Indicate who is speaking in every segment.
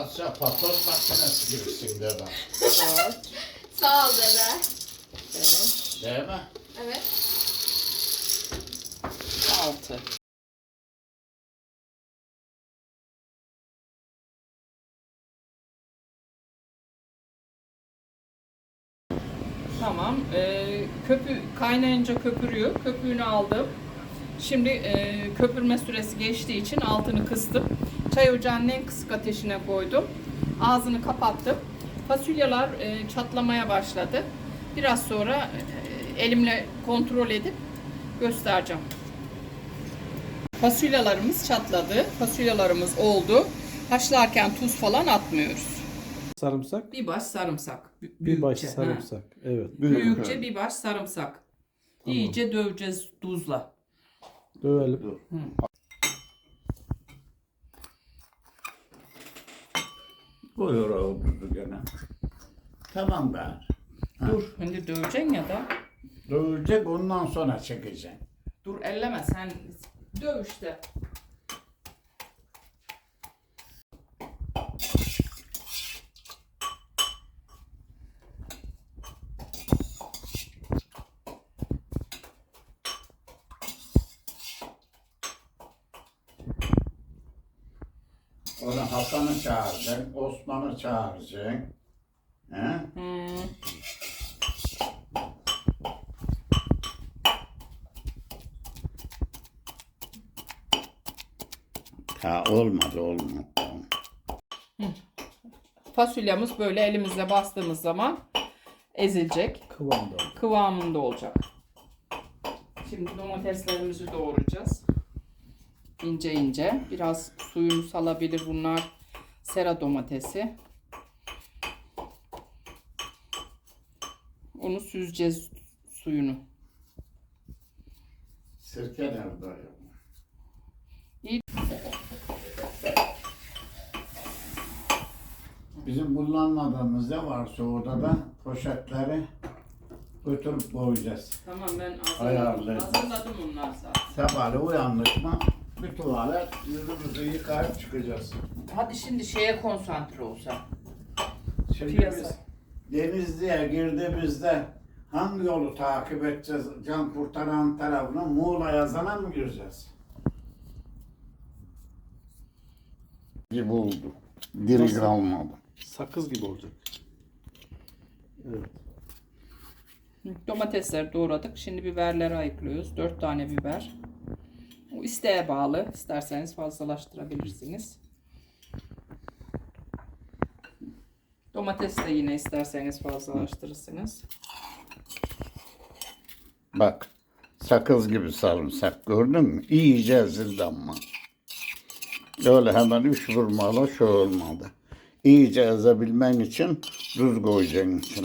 Speaker 1: Patoz makinesi gibisin dede.
Speaker 2: Sağ ol dede.
Speaker 3: Evet.
Speaker 1: Değil mi?
Speaker 2: Evet.
Speaker 3: 6. Tamam. Kaynayınca köpürüyor. Köpüğünü aldım. Şimdi köpürme süresi geçtiği için altını kıstım. Çay ocağının en kısık ateşine koydum. Ağzını kapattım. Fasulyeler çatlamaya başladı. Biraz sonra elimle kontrol edip göstereceğim. Fasulyelerimiz çatladı. Fasulyelerimiz oldu. Haşlarken tuz falan atmıyoruz.
Speaker 4: Sarımsak.
Speaker 3: Bir baş sarımsak.
Speaker 4: Bir baş
Speaker 3: büyükçe, ha.
Speaker 4: sarımsak. Evet.
Speaker 3: Büyükçe bir baş sarımsak. İyice döveceğiz tuzla.
Speaker 4: Dövelim.
Speaker 1: Buyur oğlum gene. Tamam ben.
Speaker 3: Dur, şimdi döveceksin ya da.
Speaker 1: Dövecek ondan sonra çekeceksin.
Speaker 3: Dur elleme sen döv işte.
Speaker 1: Onu Hasan'ı çağıracaksın, Osman'ı çağıracaksın. He? Ha olmadı.
Speaker 3: Fasulyemiz böyle elimizle bastığımız zaman ezilecek. Kıvamında olacak. Şimdi domateslerimizi doğrayacağız. İnce ince. Biraz suyunu salabilir bunlar. Sera domatesi. Onu süzeceğiz suyunu.
Speaker 1: Sirke nerede?
Speaker 3: İyi.
Speaker 1: Bizim kullanmadığımız ne varsa orada da poşetleri götürüp koyacağız.
Speaker 3: Tamam ben
Speaker 1: Ayarlayın.
Speaker 3: hazırladım onlar zaten.
Speaker 1: Sabahleyin uyandık mı bir tuvalet yüzümüzü yıkayıp çıkacağız.
Speaker 3: Hadi şimdi şeye konsantre olsa.
Speaker 1: Şimdi
Speaker 3: Piyasa.
Speaker 1: biz Denizli'ye girdiğimizde hangi yolu takip edeceğiz? Can kurtaran tarafına Muğla yazana mı gireceğiz? Gibi oldu. Diri
Speaker 4: Nasıl?
Speaker 1: kalmadı.
Speaker 4: Sakız gibi olacak. Evet.
Speaker 3: Domatesleri doğradık. Şimdi biberleri ayıklıyoruz. 4 tane biber. O isteğe bağlı. İsterseniz fazlalaştırabilirsiniz. Domates de yine isterseniz fazlalaştırırsınız.
Speaker 1: Bak sakız gibi sarımsak gördün mü? İyice ezildi ama. Öyle hemen üç vurmalı şu olmadı. İyice ezebilmen için tuz koyacaksın içine.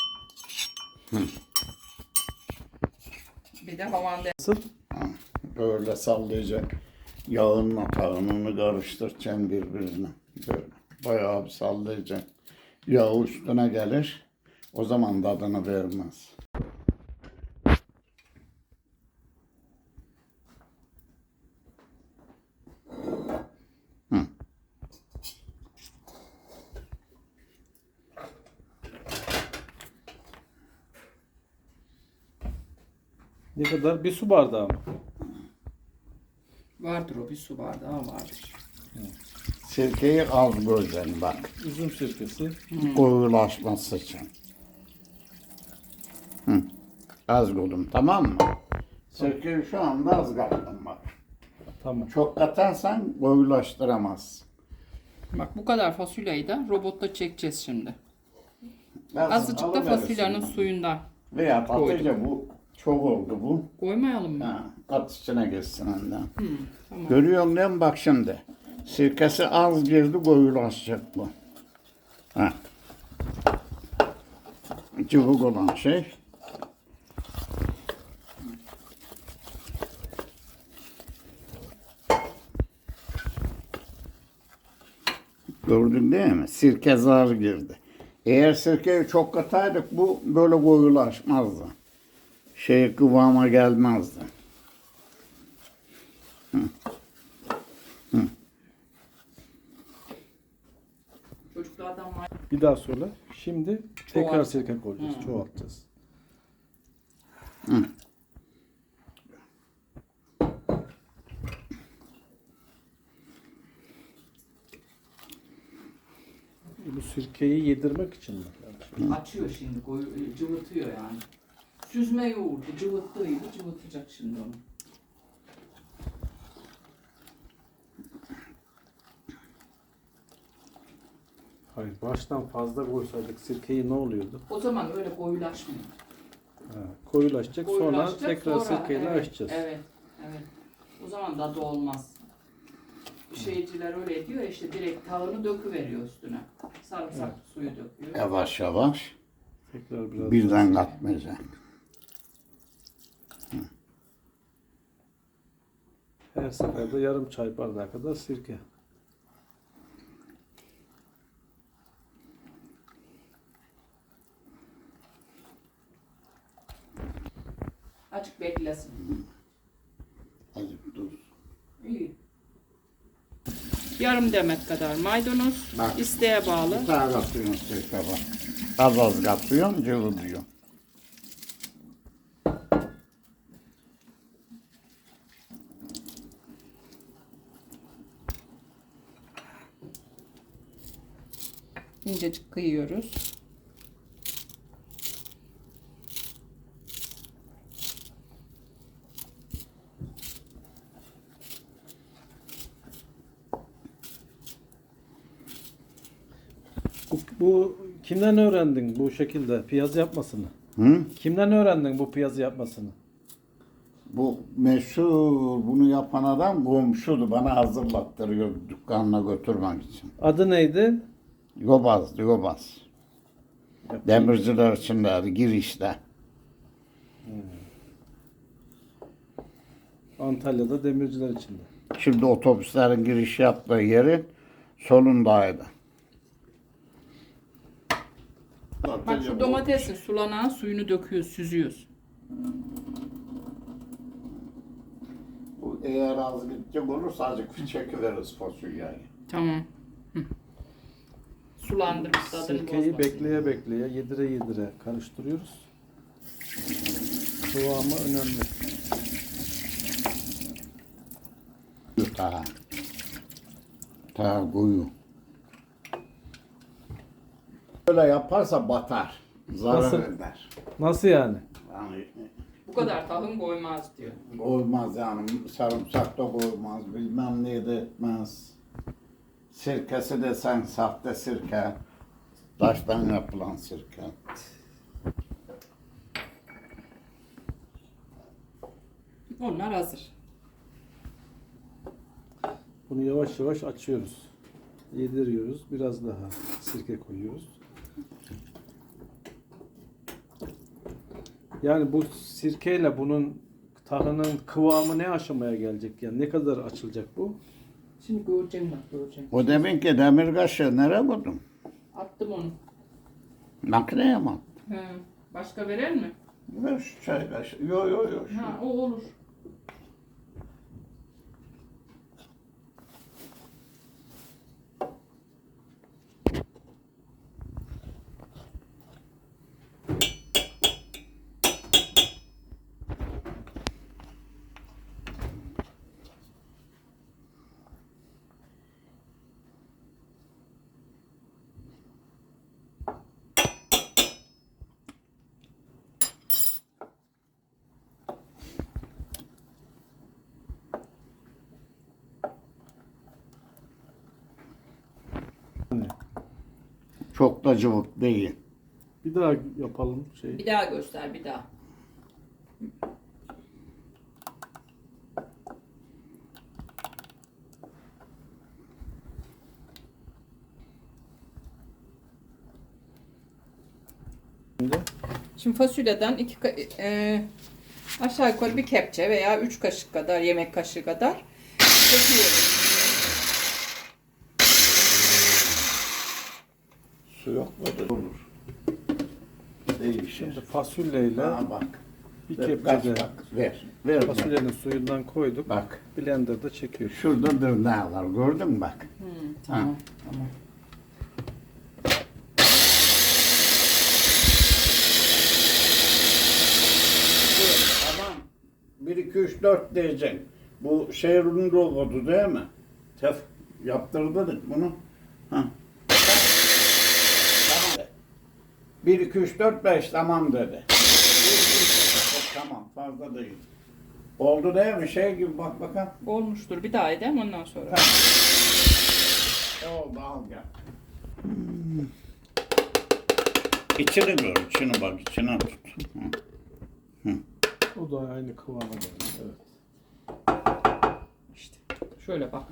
Speaker 3: Bir de havanda.
Speaker 4: Nasıl?
Speaker 1: Böyle sallayacaksın. Yağınla tavanını karıştıracaksın birbirine. Böyle bayağı bir sallayacaksın. Yağ üstüne gelir. O zaman tadını vermez.
Speaker 4: Ne kadar? Bir su bardağı mı?
Speaker 3: Vardır o, bir su bardağı vardır.
Speaker 1: Sirkeyi az koyacaksın bak.
Speaker 4: Üzüm sirkesi.
Speaker 1: Koyulaşması için. Hı. Az koydum tamam mı? Sirkeyi şu anda az kattım bak.
Speaker 4: Tamam.
Speaker 1: Çok katarsan koyulaştıramaz.
Speaker 3: Bak bu kadar fasulyeyi de robotta çekeceğiz şimdi.
Speaker 1: Lazım,
Speaker 3: Azıcık da
Speaker 1: alıverirsin
Speaker 3: fasulyenin
Speaker 1: bunu.
Speaker 3: suyundan.
Speaker 1: Veya
Speaker 3: koydum.
Speaker 1: patlıca bu çok oldu bu.
Speaker 3: Koymayalım mı?
Speaker 1: Ha, kat içine geçsin önden.
Speaker 3: Tamam.
Speaker 1: Görüyor musun bak şimdi. Sirkesi az girdi koyulaşacak bu. Ha. Cıvık olan şey. Gördün değil mi? Sirke zar girdi. Eğer sirkeyi çok kataydık bu böyle koyulaşmazdı. Kıvama gelmezdi. Hı. Hı.
Speaker 3: Çocuklardan var.
Speaker 4: Bir daha söyle. Şimdi tekrar
Speaker 3: Çoğalt.
Speaker 4: sirke koyacağız.
Speaker 3: Hı.
Speaker 4: Çoğaltacağız. Bu sirkeyi yedirmek için mi?
Speaker 3: Açıyor şimdi, cıvıtıyor yani. Süzme yoğurdu, cıvıttığıydı, cıvıtacak şimdi onu.
Speaker 4: Hayır, baştan fazla koysaydık sirkeyi ne oluyordu?
Speaker 3: O zaman öyle koyulaşmıyor.
Speaker 4: Ha, koyulaşacak, sonra
Speaker 3: Koyulaşacak,
Speaker 4: tekrar
Speaker 3: sonra-
Speaker 4: sirkeyle
Speaker 3: evet,
Speaker 4: açacağız.
Speaker 3: Evet, evet. O zaman tadı olmaz. Şeyciler öyle diyor ya, işte direkt tavını döküveriyor üstüne. Sarımsak suyu döküyor.
Speaker 1: Yavaş yavaş.
Speaker 4: Tekrar biraz
Speaker 1: Birden
Speaker 4: daha-
Speaker 1: katmayacak.
Speaker 4: Her seferde yarım çay bardağı kadar sirke.
Speaker 3: Açık beklesin.
Speaker 1: Azıcık dur.
Speaker 3: İyi. Yarım demet kadar maydanoz,
Speaker 1: Bak.
Speaker 3: isteğe bağlı.
Speaker 1: Bir tane katıyorsun sirke bak. Az az katıyorsun, cıvılıyor.
Speaker 3: İncecik kıyıyoruz.
Speaker 4: Bu kimden öğrendin bu şekilde piyaz yapmasını?
Speaker 1: Hı?
Speaker 4: Kimden öğrendin bu piyazı yapmasını?
Speaker 1: Bu meşhur bunu yapan adam komşudu. Bana hazırlattırıyor dükkanına götürmek için.
Speaker 4: Adı neydi?
Speaker 1: Yobaz, Yobaz. Demirciler içindeydi, girişte.
Speaker 4: Antalya'da demirciler içinde.
Speaker 1: Şimdi otobüslerin giriş yaptığı yerin solundaydı.
Speaker 3: Bak şu domatesin sulanan suyunu döküyoruz, süzüyoruz.
Speaker 1: Bu eğer az gidecek olursa azıcık çekiveririz fasulyeyi.
Speaker 3: Tamam. Hı. Sulandırıp tadını
Speaker 4: Sirkeyi
Speaker 3: bozmasın.
Speaker 4: bekleye bekleye, yedire yedire karıştırıyoruz. Kıvamı önemli.
Speaker 1: Ta koyu. Böyle yaparsa batar. Zarar
Speaker 4: Nasıl?
Speaker 1: eder.
Speaker 4: Nasıl yani?
Speaker 1: Yani
Speaker 3: Bu kadar tahım koymaz diyor.
Speaker 1: olmaz yani. Sarımsak da koymaz. Bilmem ne de etmez. Sirkesi desen sahte sirke. Taştan yapılan sirke.
Speaker 3: Onlar hazır.
Speaker 4: Bunu yavaş yavaş açıyoruz. Yediriyoruz. Biraz daha sirke koyuyoruz. Yani bu sirkeyle bunun tahının kıvamı ne aşamaya gelecek? Yani ne kadar açılacak bu?
Speaker 3: Şimdi göreceğim bak göreceğim.
Speaker 1: O demin ki demir kaşığı nereye koydun?
Speaker 3: Attım onu.
Speaker 1: Makineye mi attın?
Speaker 3: He. Başka verer mi?
Speaker 1: Ver şu çay kaşığı. Yo yo yo. şu.
Speaker 3: Ha o olur.
Speaker 1: Çok da cıvık değil.
Speaker 4: Bir daha yapalım şey.
Speaker 3: Bir daha göster bir daha. Şimdi fasulyeden aşağı yukarı bir kepçe veya 3 kaşık kadar, yemek kaşığı kadar döküyoruz.
Speaker 1: Su yok mu? Olur. Değişir.
Speaker 4: Şimdi fasulyeyle
Speaker 1: Ha bak.
Speaker 4: bir
Speaker 1: Ver,
Speaker 4: kepçede
Speaker 1: bak, ver. Ver.
Speaker 4: fasulyenin suyundan koyduk.
Speaker 1: Bak.
Speaker 4: Blender'da çekiyoruz.
Speaker 1: Şurada dırnağı var. Gördün mü bak?
Speaker 3: Tamam. Tamam.
Speaker 1: 2, 3, 4 diyeceksin. Bu şehrin robotu değil mi? Yaptırdık bunu. Ha. Tamam de. 1, 2, 3, 4, 5 tamam dedi. 1, 2, 3, 4, tamam fazla değil. Oldu değil mi? Şey gibi bak bakalım.
Speaker 3: Olmuştur. Bir daha edeyim ondan sonra.
Speaker 1: Oldu al gel. İçini gör, içini bak, içine tut.
Speaker 4: O da aynı kıvama geldi. Evet.
Speaker 3: İşte şöyle bak.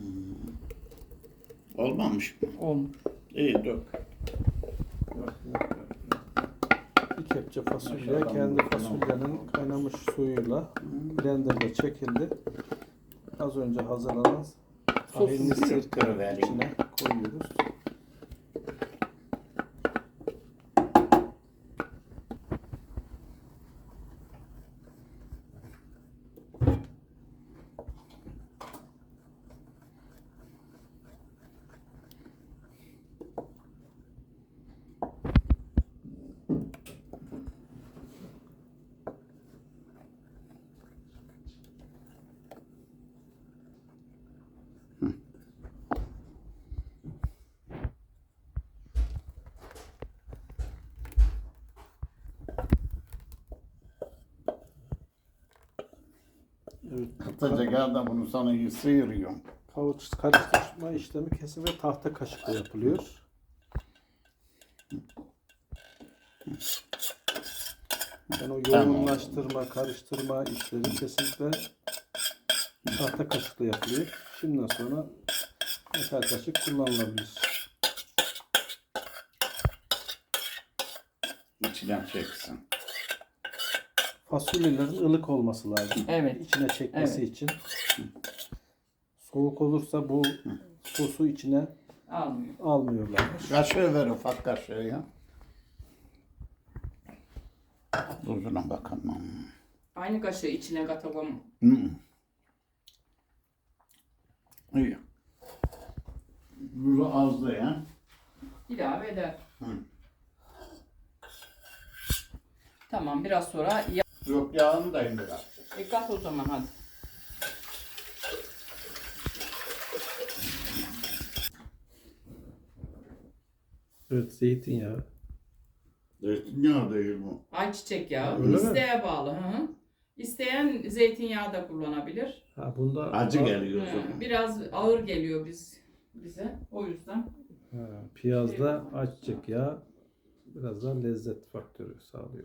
Speaker 1: Olmamış mı?
Speaker 3: Olmuş.
Speaker 1: İyi dök.
Speaker 4: Bir kepçe fasulye
Speaker 1: Maşallah.
Speaker 4: kendi fasulyenin kaynamış suyuyla blenderda çekildi. Az önce hazırlanan tahinli sirke içine koyuyoruz. Evet.
Speaker 1: Kısaca gel de bunu sana iyi sıyırıyorum.
Speaker 4: Kavuç karıştırma işlemi kesin ve tahta kaşıkla yapılıyor. Yani o yoğunlaştırma, karıştırma işleri kesinlikle tahta kaşıkla yapılıyor. Şimdiden sonra metal kaşık kullanılabilir.
Speaker 1: İçinden çeksin.
Speaker 4: Fasulyelerin ılık olması lazım.
Speaker 3: Evet.
Speaker 4: İçine çekmesi için. Soğuk olursa bu sosu içine
Speaker 3: Almıyor.
Speaker 4: almıyorlar.
Speaker 1: Kaşığı ver, ufak kaşığı ya. Tuzuna bakalım.
Speaker 3: Aynı kaşığı içine katalım.
Speaker 1: İyi. Tuzu azdı ya.
Speaker 3: İlave eder.
Speaker 1: Hı.
Speaker 3: Tamam biraz sonra
Speaker 1: Yok yağını da indir artık.
Speaker 3: kat o zaman hadi.
Speaker 4: Evet, zeytinyağı.
Speaker 1: Zeytinyağı değil bu.
Speaker 3: Ayçiçek yağı.
Speaker 4: Öyle mi?
Speaker 3: İsteğe bağlı. Hı. İsteyen zeytinyağı da kullanabilir.
Speaker 4: Ha, bunda
Speaker 1: Acı geliyor.
Speaker 3: Biraz ağır geliyor bize. O yüzden.
Speaker 4: piyazda ayçiçek yağı biraz daha lezzet faktörü sağlıyor.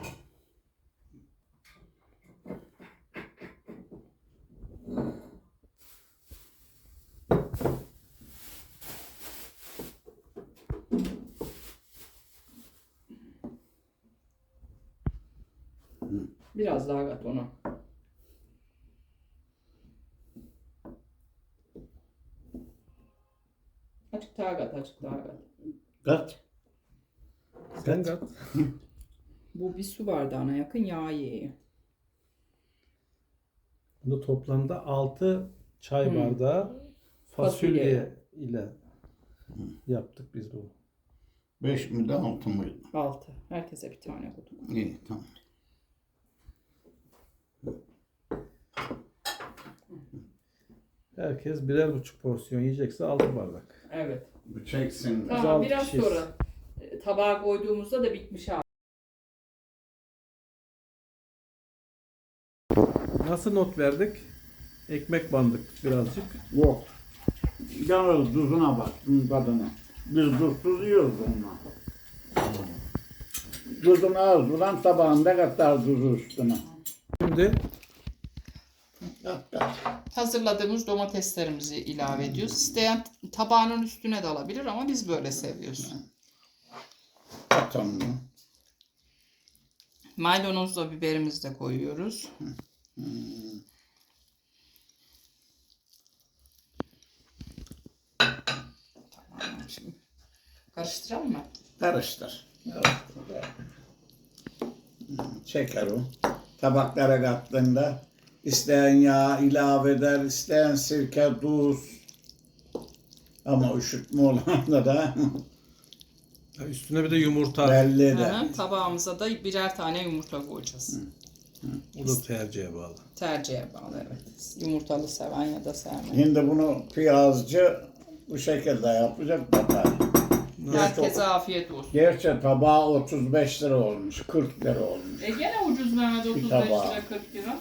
Speaker 3: Biraz daha kat onu. Açık daha kat, açık daha kat.
Speaker 1: Kat.
Speaker 4: Sen kat.
Speaker 3: Bu bir su bardağına yakın yağ yiyor.
Speaker 4: Bunu toplamda 6 çay bardağı fasulye ile yaptık biz bunu.
Speaker 1: 5 mi de 6 mıydı?
Speaker 3: 6. Herkese bir tane koydum.
Speaker 1: İyi tamam.
Speaker 4: Herkes 1,5 porsiyon yiyecekse 6 bardak.
Speaker 3: Evet.
Speaker 1: Bu çeksin.
Speaker 3: Tamam
Speaker 4: Güzel
Speaker 3: biraz
Speaker 4: pişir.
Speaker 3: sonra tabağa koyduğumuzda da bitmiş abi.
Speaker 4: Nasıl not verdik? Ekmek bandık birazcık.
Speaker 1: Yok. Yalnız tuzuna bak, tadına. Biz tuzsuz yiyoruz onunla. Tuzunu az ulan tabağında katar tuzu üstüne.
Speaker 4: Şimdi
Speaker 1: Kat kat.
Speaker 3: Hazırladığımız domateslerimizi ilave ediyoruz. İsteyen tabağının üstüne de alabilir ama biz böyle seviyoruz.
Speaker 1: Kat onu.
Speaker 3: Maydanozla biberimizi de koyuyoruz. Tamam şimdi. Karıştıralım mı?
Speaker 1: Karıştır. Çeker o. Tabaklara kattığında isteyen yağ ilave eder, isteyen sirke, tuz. Ama üşütme olanda da
Speaker 4: üstüne bir de yumurta.
Speaker 1: belli
Speaker 3: Hı
Speaker 1: eder.
Speaker 3: hı, tabağımıza da birer tane yumurta koyacağız.
Speaker 4: O da tercihe bağlı.
Speaker 3: Tercihe bağlı evet. Yumurtalı seven ya da sevmeyen.
Speaker 1: Şimdi bunu piyazcı bu şekilde yapacak batar.
Speaker 3: Herkese afiyet olsun.
Speaker 1: Gerçi tabağı 35 lira olmuş, 40 lira olmuş.
Speaker 3: Gene ucuz Mehmet 35
Speaker 1: tabağı.
Speaker 3: lira 40 lira.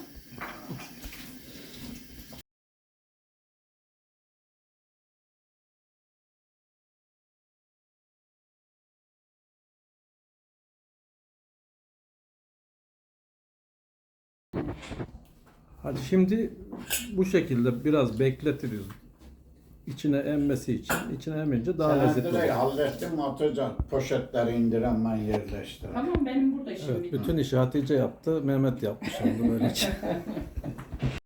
Speaker 4: Hadi şimdi bu şekilde biraz bekletiriz. İçine emmesi için. İçine emince daha
Speaker 1: Sen
Speaker 4: lezzetli
Speaker 1: direkt
Speaker 4: olur.
Speaker 1: hallettin mi atacak poşetleri indiren ben yerleştireyim.
Speaker 3: Tamam benim burada şimdi.
Speaker 4: Evet, bütün işi Hatice yaptı, Mehmet yapmış oldu böylece.